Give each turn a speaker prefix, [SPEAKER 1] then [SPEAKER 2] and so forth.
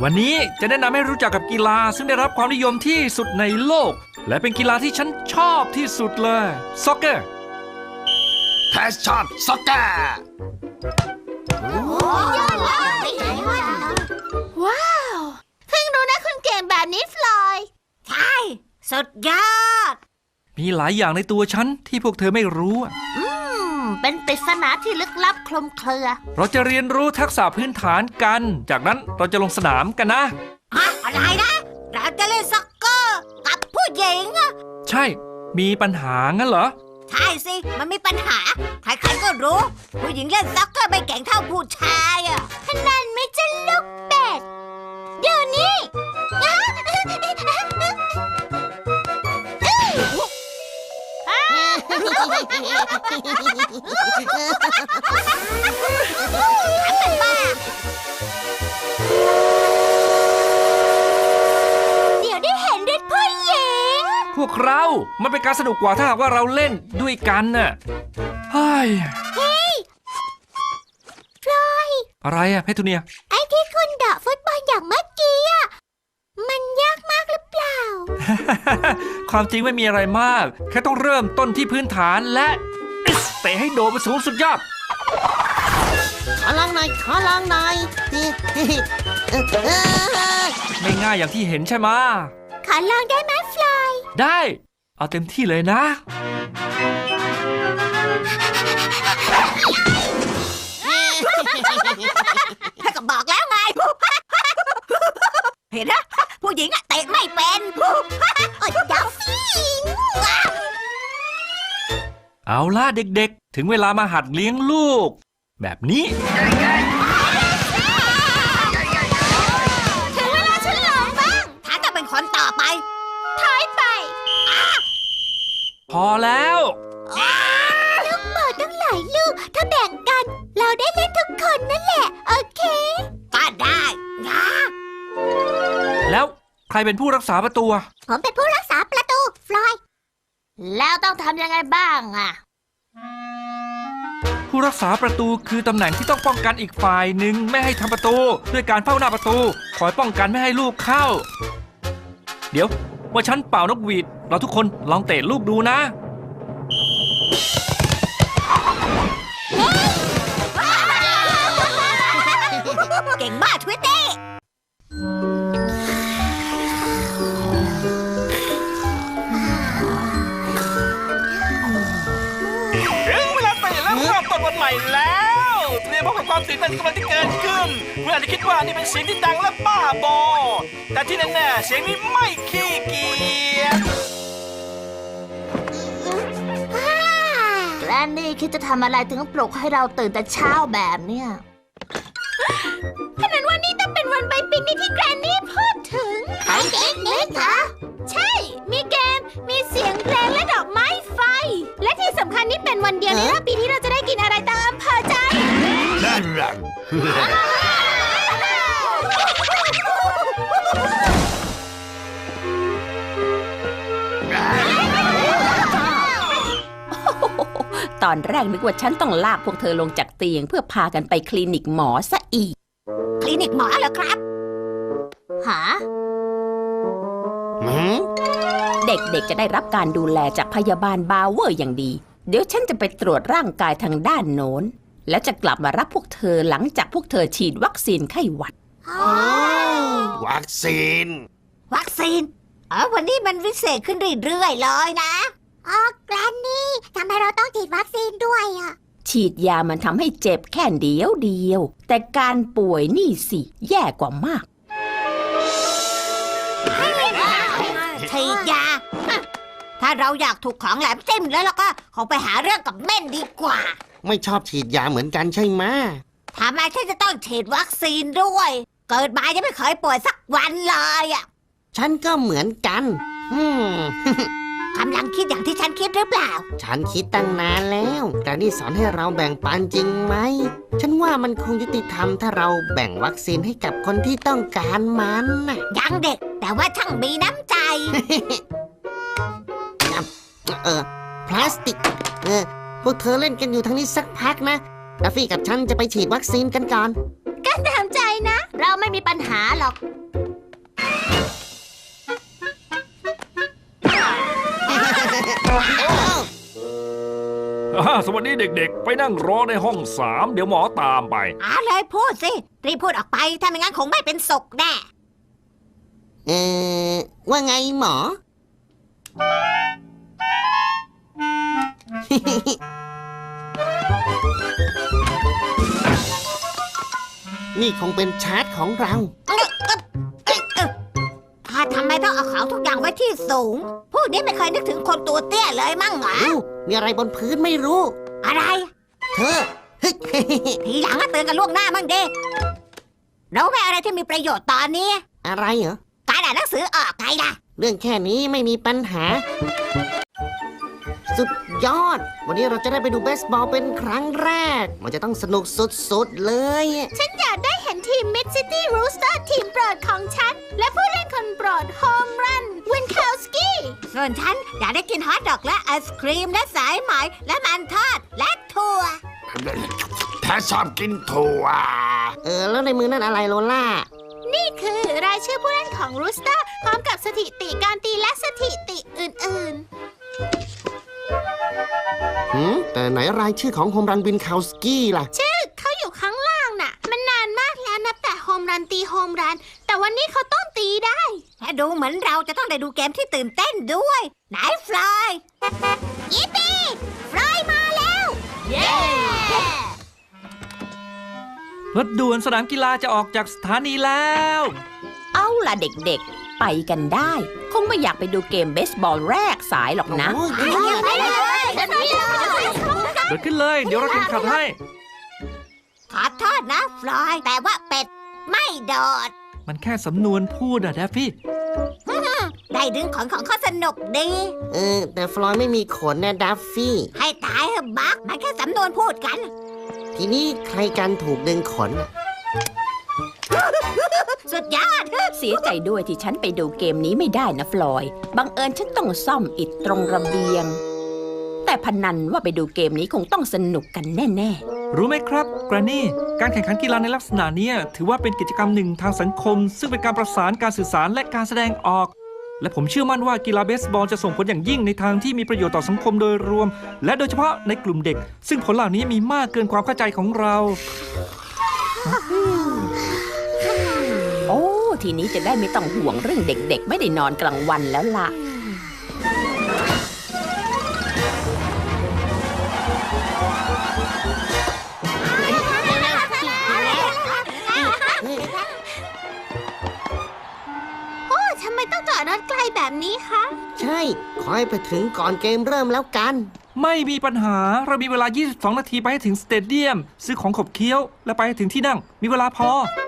[SPEAKER 1] วันนี้จะแนะนำให้รู้จักกับกีฬาซึ่งได้รับความนิยมที่สุดในโลกและเป็นกีฬาที่ฉันชอบที่สุดเลยซ็อกเกอร์
[SPEAKER 2] แพชชั่นซ็อกเกอร์
[SPEAKER 3] ว้าวเพิ่งรู้นะคุณเก่งแบบนี้ฟลอยด์ใช่สุดยอด
[SPEAKER 1] มีหลายอย่างในตัวฉันที่พวกเธอไม่รู้
[SPEAKER 3] เป็นปริศนาที่ลึกลับคลุมเครือ
[SPEAKER 1] เราจะเรียนรู้ทักษะพื้นฐานกันจากนั้นเราจะลงสนามกันนะ
[SPEAKER 3] อะไรนะเราจะเล่นซ็อกเกอร์กับผู้หญิง
[SPEAKER 1] ใช่มีปัญหางั้นเหรอ
[SPEAKER 3] ใช่สิมันมีปัญหาใครๆก็รู้ผู้หญิงเล่นซ็อกเกอร์ไม่เก่งเท่าผู้ชายขนาดไม่จะลูกเป็ดเดี๋ยวนี้เดี๋ยวได้เห็นฤทธิ์ผู้หญิง
[SPEAKER 1] พวกเรามันเป็นการสนุกกว่าถ้าหากว่าเราเล่นด้วยกันน่ะเฮ้ย
[SPEAKER 3] ฟลอย
[SPEAKER 1] อะไรอะเพทูเนีย
[SPEAKER 3] ไอ้ที่คุณเดาะฟุตบอลอย่างเมื่อกี้มันยากมากหรือเปล่า
[SPEAKER 1] ความจริงไม่มีอะไรมากแค่ต้องเริ่มต้นที่พื้นฐานและเตะให้โดดไปสูงสุดยอด
[SPEAKER 3] ขอลองหน่อย
[SPEAKER 1] ไม่ง่ายอย่างที่เห็นใช่ไหม
[SPEAKER 3] ขอลองได้ไหมฟลอย
[SPEAKER 1] ได้เอาเต็มที่เลยนะ
[SPEAKER 3] ถ้าก็บอกแล้วไงเห็นนะผู้หญิงเตะไม่เป็นดาวฟิง
[SPEAKER 1] เอาล่ะเด็กๆถึงเวลามาหัดเลี้ยงลูกแบบนี้
[SPEAKER 3] ถึงเวลาฉันลองบ้างถ้าจะเป็นคนต่อไปถอยไป
[SPEAKER 1] พอแล้ว
[SPEAKER 3] ลูกบอลตั้งหลายลูกถ้าแบ่งกันเราได้เล่นทุกคนนั่นแหละโอเคก็ได้นะ
[SPEAKER 1] แล้วใครเป็นผู้รักษาประตู
[SPEAKER 3] ผมเป็นผู้รักษาประตูฟลอยแล้วต้องทำยังไงบ้าง
[SPEAKER 1] ผู้รักษาประตูคือตำแหน่งที่ต้องป้องกันอีกฝ่ายหนึ่งไม่ให้ทำประตูด้วยการเฝ้าหน้าประตูคอยป้องกันไม่ให้ลูกเข้าเดี๋ยวว่าฉันเป่านกหวีดเราทุกคนลองเตะลูกดูนะ
[SPEAKER 3] เก่งมากทวิตตี้
[SPEAKER 4] ต้นวันใหม่แล้วเตรียมพบกับความตื่นเต้นกำลังที่เกิดขึ้นเพื่อนอาจจะคิดว่านี่เป็นเสียงที่ดังและบ้าบอแต่ที่แน่ๆเสียงนี้ไม่ขี้เกียจ
[SPEAKER 3] แกรนนี่คิดจะทำอะไรถึงปลุกให้เราตื่นแต่เช้าแบบเนี้ยขนาดวันนี้ต้องเป็นวันไปปิกนิกที่แกรนนี่พูดถึงไปปิกนิกเหรอใช่มีเกมมีเสียงเพลงและดอกไม้ไฟและที่สำคัญนี่เป็นวันเดียวในรอบปีที่เราจะได้กินอะไรตามอำเภอใจ
[SPEAKER 2] นั่นรัง
[SPEAKER 5] ตอนแรกนึกว่าฉันต้องลากพวกเธอลงจากเตียงเพื่อพากันไปคลินิกหมอซะอีก
[SPEAKER 3] คลินิกหมอเหรอครับหา
[SPEAKER 5] เด็กๆจะได้รับการดูแลจากพยาบาลบาวเวอร์อย่างดีเดี๋ยวฉันจะไปตรวจร่างกายทางด้านโน้นแล้วจะกลับมารับพวกเธอหลังจากพวกเธอฉีดวัคซีนไข้หวัด
[SPEAKER 2] วัคซีน
[SPEAKER 3] วันนี้มันวิเศษขึ้นเรื่อยๆเลยนะแกรนนี่ทำไมเราต้องฉีดวัคซีนด้วย
[SPEAKER 5] ฉีดยามันทำให้เจ็บแค่เดียวแต่การป่วยนี่สิแย่กว่ามาก
[SPEAKER 3] ฉีดยาถ้าเราอยากถูกของแหลมจิ้มแล้วก็คงไปหาเรื่องกับเม่นดีกว่า
[SPEAKER 2] ไม่ชอบฉีดยาเหมือนกันใช่ไหม
[SPEAKER 3] ทำไมฉันจะต้องฉีดวัคซีนด้วยเกิดมายังไม่เคยป่วยสักวันเลย
[SPEAKER 2] ฉันก็เหมือนกัน
[SPEAKER 3] กำลังคิดอย่างที่ฉันคิดหรือเปล่า
[SPEAKER 2] ฉันคิดตั้งนานแล้วการที่สอนให้เราแบ่งปันจริงไหมฉันว่ามันคงยุติธรรมถ้าเราแบ่งวัคซีนให้กับคนที่ต้องการมัน
[SPEAKER 3] ยังเด็กแต่ว่าช่างมีน้ำใจ
[SPEAKER 2] พลาสติกพวกเธอเล่นกันอยู่ทางนี้สักพักนะดัฟฟี่กับฉันจะไปฉีดวัคซีนกันก่อน
[SPEAKER 3] การตามใจนะ เราไม่มีปัญหาหรอก
[SPEAKER 1] สวัสดีเด็กๆ ไปนั่งรอในห้อง 3 เดี๋ยวหมอตามไป
[SPEAKER 3] เลยพูดสิ รีบพูดออกไป ถ้าไม่งั้นคงไม่เป็นสุขแน่
[SPEAKER 2] ว่าไงหมอ นี่คงเป็นชาร์จของเรา
[SPEAKER 3] ทำไมต้องเอาของทุกอย่างไว้ที่สูง พวกนี้ไม่เคยนึกถึงคนตัวเตี้ยเลยมั้งเหรอ
[SPEAKER 2] มีอะไรบนพื้นไม่รู้
[SPEAKER 3] อะไร
[SPEAKER 2] เธอ
[SPEAKER 3] ทีหลังก็เตือนกันล่วงหน้ามั่งดิรู้ไหมอะไรที่มีประโยชน์ตอนนี้
[SPEAKER 2] อะไรเหรอ
[SPEAKER 3] การอ่านหนังสือออกไงล่ะ
[SPEAKER 2] เรื่องแค่นี้ไม่มีปัญหา สุดยอด วันนี้เราจะได้ไปดูเบสบอลเป็นครั้งแรก มันจะต้องสนุกสุดๆเลย
[SPEAKER 3] ฉันอยากได้เห็นทีม Mid City Rooster ทีมโปรดของฉัน และผู้เล่นคนโปรดโฮมรันวินคาวสกี้ส่วนฉันอยากได้กินฮอทดอกและไอศครีมและสายไหมและมันทอดและถั่ว
[SPEAKER 6] ถ้าชอบกินถั่ว
[SPEAKER 2] แล้วในมือนั่นอะไรโลล่า
[SPEAKER 3] นี่คือรายชื่อผู้เล่นของ Rooster พร้อมกับสถิติการตีและสถิติอื่น
[SPEAKER 2] แต่ไหนรายชื่อของโฮมรันวินคาวสกี้ล่ะ
[SPEAKER 3] ๆ ชื่อเขาอยู่ข้างล่างน่ะ มันนานมากแล้วนับแต่โฮมรันตีโฮมรัน แต่วันนี้เขาต้องตีได้และดูเหมือนเราจะต้องได้ดูเกมที่ตื่นเต้นด้วย ไหนฟลอยยิปปี้ฟลอยมาแล้ว เย้
[SPEAKER 1] รถด่วนสนามกีฬาจะออกจากสถานีแล้ว
[SPEAKER 5] เอาล่ะเด็กๆ ไปกันได้ คงไม่อยากไปดูเกมเบสบอลแรกสายหรอกนะ
[SPEAKER 3] ไปเลยเดินไปเลย
[SPEAKER 1] เดินขึ้นเลย เดี๋ยวเราเข็นขัดให้
[SPEAKER 3] ขอโทษนะฟลอย แต่ว่าเป็ดไม่โดด
[SPEAKER 1] มันแค่สำนวนพูดอะแดฟฟี่
[SPEAKER 3] ได้ดึงขนของเขาสนุกดี
[SPEAKER 2] แต่ฟลอยไม่มีขนนะดัฟฟี่
[SPEAKER 3] ให้ตายเถอะบักมันแค่สำนวนพูดกัน
[SPEAKER 2] ทีนี้ใครกันถูกดึงขนน่ะ
[SPEAKER 3] สุดยอด
[SPEAKER 5] เสียใจด้วยที่ฉันไปดูเกมนี้ไม่ได้นะฟลอย บังเอิญฉันต้องซ่อมอิฐตรงระเบียง แต่พนันว่าไปดูเกมนี้คงต้องสนุกกันแน่
[SPEAKER 1] รู้ไหมครับแกรนนี่ การแข่งขันกีฬาในลักษณะเนี้ยถือว่าเป็นกิจกรรมหนึ่งทางสังคม ซึ่งเป็นการประสานการสื่อสารและการแสดงออก และผมเชื่อมั่นว่ากีฬาเบสบอลจะส่งผลอย่างยิ่งในทางที่มีประโยชน์ต่อสังคมโดยรวม และโดยเฉพาะในกลุ่มเด็ก ซึ่งผลเหล่านี้มีมากเกินความเข้าใจของเรา
[SPEAKER 5] ๆ โอ้ ทีนี้จะได้ไม่ต้องห่วงเรื่องเด็กๆ ไม่ได้นอนกลางวันแล้วล่ะ
[SPEAKER 3] โอ้ทำไมต้องจอดรถไกลแบบนี้คะ
[SPEAKER 2] ใช่ ขอให้ไปถึงก่อนเกมเริ่มแล้วกัน
[SPEAKER 1] ไม่มีปัญหา เรามีเวลา 22 นาทีไปให้ถึงสเตเดียม ซื้อของขบเคี้ยว และไปให้ถึงที่นั่ง มีเวลาพอ